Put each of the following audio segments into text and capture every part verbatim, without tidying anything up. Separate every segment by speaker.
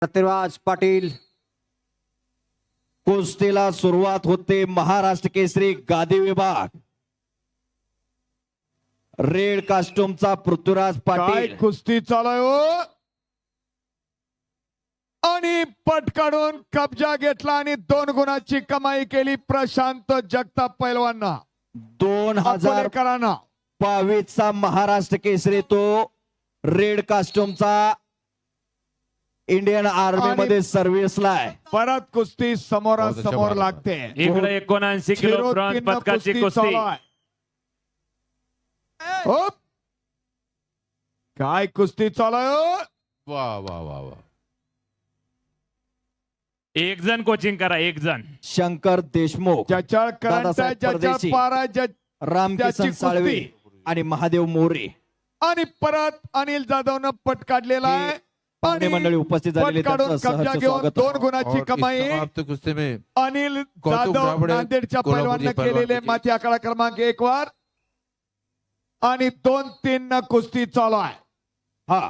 Speaker 1: पृथ्वीराज पाटील
Speaker 2: कुस्तीला सुरुवात होते. महाराष्ट्र केसरी गादी विभाग, रेड कास्ट्यूमचा पृथ्वीराज
Speaker 3: काय
Speaker 2: पाटील.
Speaker 3: कुस्ती चालू आहे हो. आणि पट काढून कब्जा घेतला आणि दोन गुणाची कमाई केली प्रशांत जगताप पैलवांना.
Speaker 2: दोन हजार
Speaker 3: अकोलेकरांना
Speaker 2: बावीस चा महाराष्ट्र केसरी तो रेड कास्ट्यूमचा इंडियन आर्मी
Speaker 3: आणि
Speaker 2: मध्ये सर्व्हिसला आहे.
Speaker 3: परत कुस्ती समोरासमोर लागते.
Speaker 4: इकडे एकोणऐंशी किलो
Speaker 3: झिरो
Speaker 4: ब्रॉन्झ
Speaker 3: तीन न
Speaker 4: पदकाची
Speaker 3: कुस्ती
Speaker 4: कुस्ती.
Speaker 3: चालू आहे. होप. काय कुस्ती चालू आहे हो.
Speaker 5: वा वा वा वा.
Speaker 4: एक जण कोचिंग करा, एक जण.
Speaker 2: शंकर देशमुख,
Speaker 3: जचाळकरांचा
Speaker 2: दादासाहेब
Speaker 3: जचाळ
Speaker 2: परदेशी,
Speaker 3: पारा जच
Speaker 2: रामकिसन
Speaker 3: त्याची
Speaker 2: साळवे
Speaker 3: कुस्ती.
Speaker 2: आणि महादेव मोरे
Speaker 3: आणि परत अनिल जाधवनं पट काढलेला आहे.
Speaker 2: पाहुणे
Speaker 3: आणि
Speaker 2: मंडळी उपस्थित झालेले
Speaker 3: पट काढून
Speaker 2: त्यांचं
Speaker 3: कब्जा
Speaker 2: सहर्ष
Speaker 3: घेऊन
Speaker 2: स्वागत.
Speaker 3: दोन गुणाची
Speaker 5: और
Speaker 3: कमाई
Speaker 5: इस समाप्त कुस्ती में
Speaker 3: अनिल
Speaker 5: कौतुक
Speaker 3: जाधव
Speaker 5: राबडे,
Speaker 3: नांदेडच्या
Speaker 5: कोल्हापूरचे
Speaker 3: पैलवानने
Speaker 5: पैलवान
Speaker 3: केलेले
Speaker 5: विजयी.
Speaker 3: माती आकडा क्रमांक एक वर आणि दोन तीन न कुस्ती चालू आहे.
Speaker 2: हा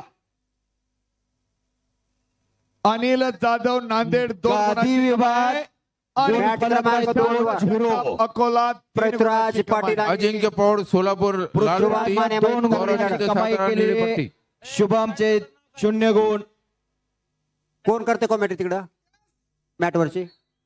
Speaker 3: अनिल जाधव नांदेड दोन
Speaker 2: गादी
Speaker 3: गुणाची
Speaker 2: विभाग,
Speaker 3: कमाई. आणि
Speaker 2: गुण क्रमांक दोन झिरो.
Speaker 3: अकोला तीन
Speaker 1: पृथ्वीराज
Speaker 3: गुणाची कमाई.
Speaker 1: पाटील आणि
Speaker 5: अजिंक्य पौड़ सोलापुर लाल
Speaker 2: पृथ्वीराज
Speaker 5: पट्टी
Speaker 2: माने दोन
Speaker 5: गौरव
Speaker 2: गुणाची
Speaker 5: शिंदे
Speaker 2: कमाई
Speaker 5: सातारा नीली
Speaker 2: केलेले.
Speaker 5: पट्टी.
Speaker 2: शुभमचे शून्य गुण.
Speaker 1: कोण करते कॉमेंट्री तिकडं मॅट वरची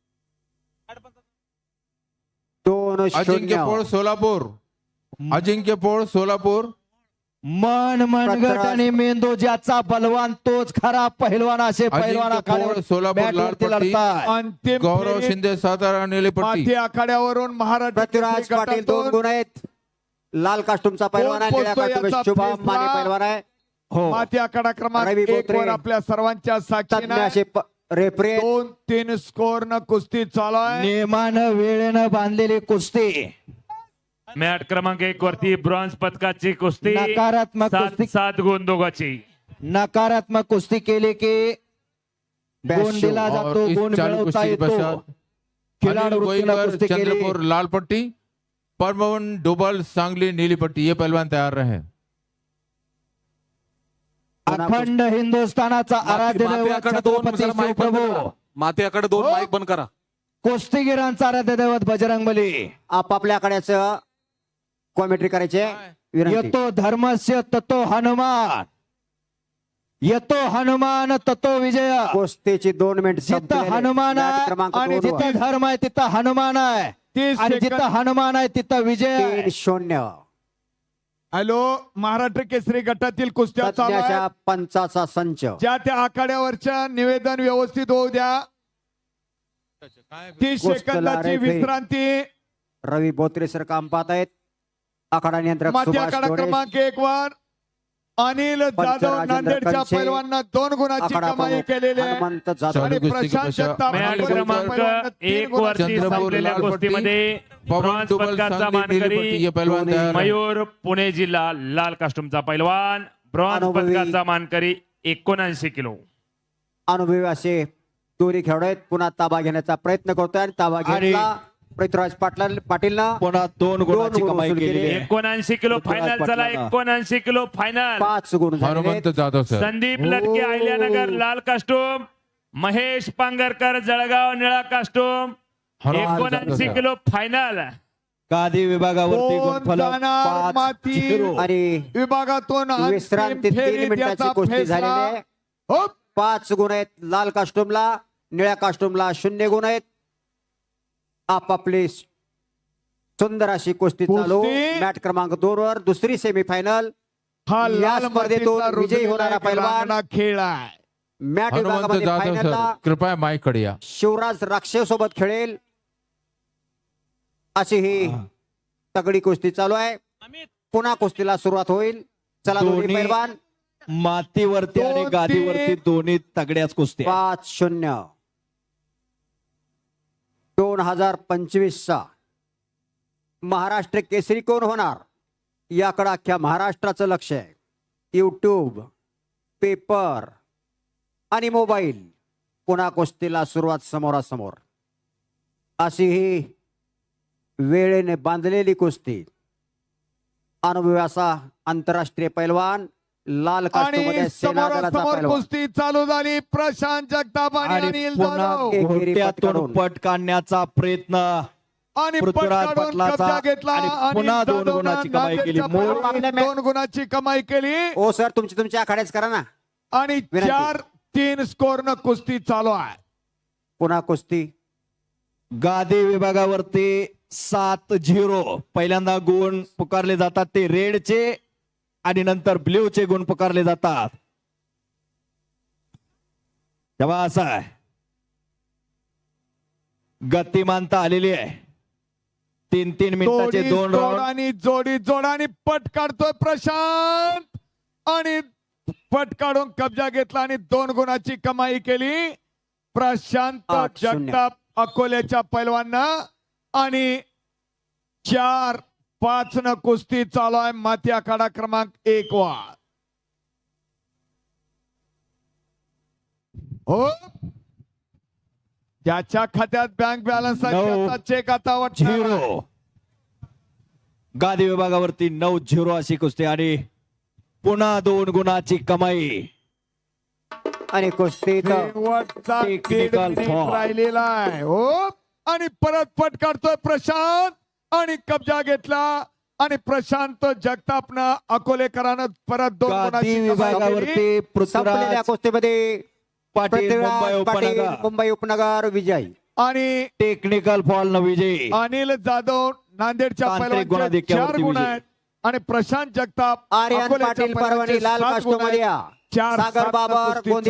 Speaker 1: दोन
Speaker 5: अजिंक्य
Speaker 1: शून्य
Speaker 5: पौड़ सोलापुर अजिंक्य पौड़ सोलापुर
Speaker 2: मन मनगट
Speaker 1: पृथ्वीराज-
Speaker 2: आणि मेंदू ज्याचा बलवान तोच खरा पहिलवान असे पहिलवान
Speaker 5: अजिंक्य पौड़
Speaker 2: आखाड्यावर
Speaker 5: सोलापुर लाल
Speaker 2: बॅटवरती
Speaker 5: पट्टी
Speaker 2: लढताय.
Speaker 3: अंतिम
Speaker 5: गौरव
Speaker 3: फेरीत
Speaker 5: शिंदे सातारा नीली
Speaker 3: माती
Speaker 5: पट्टी.
Speaker 3: आखाड्यावरून महाराष्ट्र
Speaker 1: पृथ्वीराज
Speaker 3: केसरी
Speaker 1: पाटील दोन
Speaker 3: गटातून
Speaker 1: गुण आहेत. लाल कास्टूमचा पैलवान आहे,
Speaker 3: कोण
Speaker 1: निळ्या
Speaker 3: पोचतो
Speaker 1: कास्टूम
Speaker 3: याचा
Speaker 1: शुभम
Speaker 3: फैसला?
Speaker 1: माने पैलवान आहे.
Speaker 2: हो
Speaker 3: माती आखाडा क्रमांक
Speaker 1: रवी
Speaker 3: एक
Speaker 1: बोत्रे,
Speaker 3: वर आपल्या सर्वांच्या
Speaker 1: तज्ञ
Speaker 3: साक्षीने
Speaker 1: असे प- रेफरी
Speaker 3: दोन तीन स्कोर न कुस्ती चालू आहे.
Speaker 2: नियमानं वेळेनं बांधलेली कुस्ती.
Speaker 4: मॅट क्रमांक एक वरती ब्रॉन्झ पदकाची कुस्ती.
Speaker 2: नकारात्मक
Speaker 4: सात
Speaker 2: कुस्ती.
Speaker 4: सात गुण दोघांची.
Speaker 2: नकारात्मक कुस्ती केली की गुण
Speaker 1: ब्याऐंशी.
Speaker 2: दिला
Speaker 5: और
Speaker 2: जातो,
Speaker 5: इस
Speaker 2: गुण
Speaker 5: चालू
Speaker 2: मिळवता
Speaker 5: कुस्ती के
Speaker 2: येतो.
Speaker 5: पश्चात
Speaker 2: खिलाडू
Speaker 5: अनिल
Speaker 2: वृत्तीला
Speaker 5: गोईकर
Speaker 2: कुस्ती केली.
Speaker 5: चंद्रपुर लाल पट्टी, परमवन डोबल सांगली नीली पट्टी. ये पहलवान तैयार रहे.
Speaker 2: अखंड हिंदुस्थानाचा आराध्य दैवत
Speaker 6: माथ्याकडे दोन
Speaker 2: छत्रपती
Speaker 6: जरा माईक बंद
Speaker 2: शिवप्रभू,
Speaker 6: करा. माथ्याकडे दोन
Speaker 3: हो.
Speaker 6: माईक बंद करा.
Speaker 2: कुस्तीगिरांचा आराध्य दैवत बजरंगबली.
Speaker 1: आपापल्या आकड्याचं कॉमेंट्री करायचे विनंती.
Speaker 2: येतो धर्मस्य ततो हनुमान, येतो हनुमान ततो विजय.
Speaker 1: कुस्तीची दोन मिनिट
Speaker 2: जिथं हनुमान आहे
Speaker 1: क्रमांक
Speaker 2: आणि
Speaker 1: दोन वर.
Speaker 2: जिथं धर्म आहे तिथं हनुमान आहे,
Speaker 3: तीस
Speaker 2: आणि
Speaker 3: सेकंद.
Speaker 2: जिथं हनुमान आहे तिथं विजय आहे.
Speaker 1: तीन शून्य
Speaker 3: हॅलो, महाराष्ट्र केसरी गटातील कुस्त्या चालू
Speaker 1: तज्ञाच्या
Speaker 3: आहेत.
Speaker 1: पंचाचा संच.
Speaker 3: ज्या त्या आखाड्यावरच्या निवेदन व्यवस्थित होऊ द्या. तीस
Speaker 1: कुस्तीला
Speaker 3: सेकंदाची
Speaker 1: रेफरी.
Speaker 3: विश्रांती.
Speaker 1: रवी बोत्रे सर काम पाहत आहेत. आखाडा नियंत्रक
Speaker 3: माती
Speaker 1: सुभाष
Speaker 3: आखाडा
Speaker 1: डोळे.
Speaker 3: क्रमांक एक वर अनिल जाधव
Speaker 1: राजेंद्र
Speaker 3: नांदेडच्या
Speaker 1: कंचे.
Speaker 3: पैलवानांना दोन गुणाची
Speaker 1: आखाडा
Speaker 3: कमाई
Speaker 1: प्रमुख
Speaker 3: केलेली आहे.
Speaker 1: हनुमंत जाधव.
Speaker 5: चालू
Speaker 3: आणि
Speaker 5: कुस्ती के
Speaker 3: प्रशांत
Speaker 5: पश्चात
Speaker 3: जगताप
Speaker 4: मॅट
Speaker 5: अनिल
Speaker 4: क्रमांक
Speaker 5: गोईकर
Speaker 4: एक वरती
Speaker 5: चंद्रपुर
Speaker 4: संपलेल्या
Speaker 5: लाल पट्टी,
Speaker 4: कुस्तीमध्ये
Speaker 5: पवन
Speaker 4: ब्रॉन्झ
Speaker 5: डोबल
Speaker 4: पदकाचा
Speaker 5: सांगली नीली पट्टी.
Speaker 4: मानकरी
Speaker 5: ये पहलवान तैयार रहे.
Speaker 4: मयूर पुणे जिल्हा लाल कास्टूमचा पैलवान. ब्रॉन्झ
Speaker 1: अनुभवी.
Speaker 4: पदकाचा मानकरी एकोणऐंशी किलो.
Speaker 1: अनुभवी असे दोन्ही खेळाडू आहेत. पुन्हा ताबा घेण्याचा प्रयत्न करतोय आणि ताबा
Speaker 2: आणि
Speaker 1: घेतला पृथ्वीराज पाटील पाटीलनं.
Speaker 2: पुन्हा दोन गुणाची
Speaker 1: गुण
Speaker 2: कमाई
Speaker 1: वसूल
Speaker 2: केलेली
Speaker 1: केले.
Speaker 2: आहे.
Speaker 4: एकोणऐंशी किलो
Speaker 2: पृथ्वीराज
Speaker 4: फायनल चला.
Speaker 2: पाटलांना.
Speaker 4: एकोणऐंशी किलो फायनल.
Speaker 1: पाच गुण झालेले
Speaker 5: हनुमंत
Speaker 1: आहेत.
Speaker 5: जाधव सर.
Speaker 4: संदीप लटके
Speaker 2: हो.
Speaker 4: अहिल्यानगर लाल कास्टूम, महेश पांगरकर जळगाव निळा कास्टूम.
Speaker 5: हनुमान
Speaker 4: एकोणऐंशी
Speaker 5: जाधव.
Speaker 4: Kilo final.
Speaker 2: गादी विभागावरती
Speaker 3: कोण
Speaker 2: गुणफलक
Speaker 3: जाणार
Speaker 2: पाच
Speaker 3: माती?
Speaker 2: झिरो.
Speaker 1: आणि
Speaker 3: विभागातून अंतिम
Speaker 1: विश्रांती तीन
Speaker 3: फेरीत
Speaker 1: मिनिटाची
Speaker 3: याचा
Speaker 1: कुस्ती
Speaker 3: फैसला.
Speaker 1: झालेली आहे.
Speaker 3: हो.
Speaker 1: पाच गुण आहेत लाल कास्टूमला, निळ्या कास्टूमला शून्य गुण आहेत. आपापली सुंदर अशी कुस्ती चालू.
Speaker 3: कुस्ती.
Speaker 1: मॅट क्रमांक दोन वर दुसरी सेमीफायनल.
Speaker 3: हा
Speaker 1: या
Speaker 3: लाल
Speaker 1: स्पर्धेतून
Speaker 3: मातीचा
Speaker 1: विजयी
Speaker 3: रुजलेला
Speaker 1: होणारा
Speaker 3: एक
Speaker 1: पैलवान.
Speaker 3: रांगडा खेळ आहे.
Speaker 1: मॅट
Speaker 5: हनुमंत
Speaker 1: विभागामध्ये
Speaker 5: जाधव सर,
Speaker 1: फायनलला
Speaker 5: कृपया माईक कडे या.
Speaker 1: शिवराज राक्षे सोबत खेळेल अशी ही तगडी कुस्ती चालू आहे. पुन्हा कुस्तीला सुरुवात होईल. चला दोन्ही
Speaker 2: दोन्ही
Speaker 1: पैलवान.
Speaker 2: मातीवरती आणि
Speaker 3: दोन,
Speaker 2: गादीवरती
Speaker 3: तीन.
Speaker 2: दोन्ही तगड्याच कुस्ती आहेत.
Speaker 1: पाच शून्य दोन हजार पंचवीस चा महाराष्ट्र केसरी कोण होणार याकडे अख्ख्या महाराष्ट्राचं लक्ष आहे. युट्यूब, पेपर आणि मोबाईल. पुन्हा कुस्तीला सुरुवात समोरासमोर. अशी ही वेळेने बांधलेली कुस्ती. अनुभवी असा आंतरराष्ट्रीय पैलवान लाल कास्टूम
Speaker 3: आणि
Speaker 1: मध्ये सेना दलाचा
Speaker 3: समोरासमोर
Speaker 1: पैलवान.
Speaker 3: कुस्ती चालू झाली. प्रशांत जगताप आणि
Speaker 2: आणि
Speaker 3: अनिल
Speaker 2: पुन्हा
Speaker 3: जाधव
Speaker 1: एकेरी पट
Speaker 2: घोट्यातून
Speaker 1: काढून.
Speaker 2: पट काढण्याचा प्रयत्न
Speaker 3: आणि पट
Speaker 2: पृथ्वीराज
Speaker 3: काढून
Speaker 2: पाटलाचा
Speaker 3: कब्जा घेतला.
Speaker 2: आणि
Speaker 3: अनिल
Speaker 2: पुन्हा दोन
Speaker 3: जाधवनं
Speaker 2: गुणाची कमाई केली.
Speaker 3: नांदेडच्या
Speaker 2: मूळ-
Speaker 3: पैलवानाने दोन गुणाची कमाई केली
Speaker 1: ओ सर तुमची तुमच्या आखाड्याच करा ना.
Speaker 3: आणि
Speaker 1: विनंती.
Speaker 3: चार तीन स्कोर न कुस्ती चालू आहे.
Speaker 1: पुन्हा कुस्ती
Speaker 2: गादी विभागावरती सात झिरो पहिल्यांदा गुण पुकारले जातात ते रेडचे आणि नंतर ब्ल्यूचे गुण पुकारले जातात. तेव्हा असं आहे, गतिमानता आलेली आहे. तीन तीन मिनिटाचे
Speaker 3: जोडी
Speaker 2: दोन
Speaker 3: जोड
Speaker 2: राऊंड.
Speaker 3: आणि जोडी जोड आणि पट काढतोय प्रशांत आणि पट काढून कब्जा घेतला आणि दोन गुणाची कमाई केली प्रशांत
Speaker 1: आठ शून्य.
Speaker 3: जगताप अकोल्याच्या पैलवांना. आणि चार पाच न कुस्ती चालू आहे माती आखाडा क्रमांक एक वर. हो ज्याच्या खात्यात बँक बॅलन्स आहे
Speaker 2: नऊ.
Speaker 3: त्याचा चेक आता वाटणार आहे.
Speaker 2: झिरो गादी विभागावरती नऊ झिरो अशी कुस्ती आणि पुन्हा दोन गुणाची कमाई.
Speaker 1: आणि कुस्ती इथं
Speaker 3: शेवटचा
Speaker 2: Technical
Speaker 3: दीड मिनिट
Speaker 2: foul.
Speaker 3: राहिलेला आहे. हो आणि परत पट काढतोय प्रशांत आणि कब्जा घेतला आणि प्रशांत जगतापनं अकोलेकरानं परत दोन
Speaker 2: गादी
Speaker 3: गुणाची कमाई केली.
Speaker 2: विभागावरती
Speaker 1: संपलेल्या
Speaker 2: पृथ्वीराज
Speaker 1: कुस्तीमध्ये
Speaker 2: पाटील
Speaker 1: पृथ्वीराज
Speaker 2: मुंबई
Speaker 1: पाटील
Speaker 2: उपनगर
Speaker 1: मुंबई उपनगर विजयी.
Speaker 3: आणि
Speaker 2: टेक्निकल फॉल न विजयी.
Speaker 3: अनिल जाधव नांदेडच्या
Speaker 2: तांत्रिक
Speaker 3: पैलवानचे
Speaker 2: गुणाधिक्यावरती
Speaker 3: चार गुण
Speaker 2: विजयी.
Speaker 3: आहेत आणि प्रशांत जगताप
Speaker 1: आर्यन
Speaker 3: अकोल्याच्या
Speaker 1: पाटील
Speaker 3: पैलवानचे
Speaker 1: परभणी लाल
Speaker 3: सात गुण
Speaker 1: कास्टूम मध्ये
Speaker 3: आहेत.
Speaker 1: या.
Speaker 3: चार
Speaker 1: सागर
Speaker 3: सात न
Speaker 1: बाबर
Speaker 3: कुस्ती
Speaker 1: गोंदिया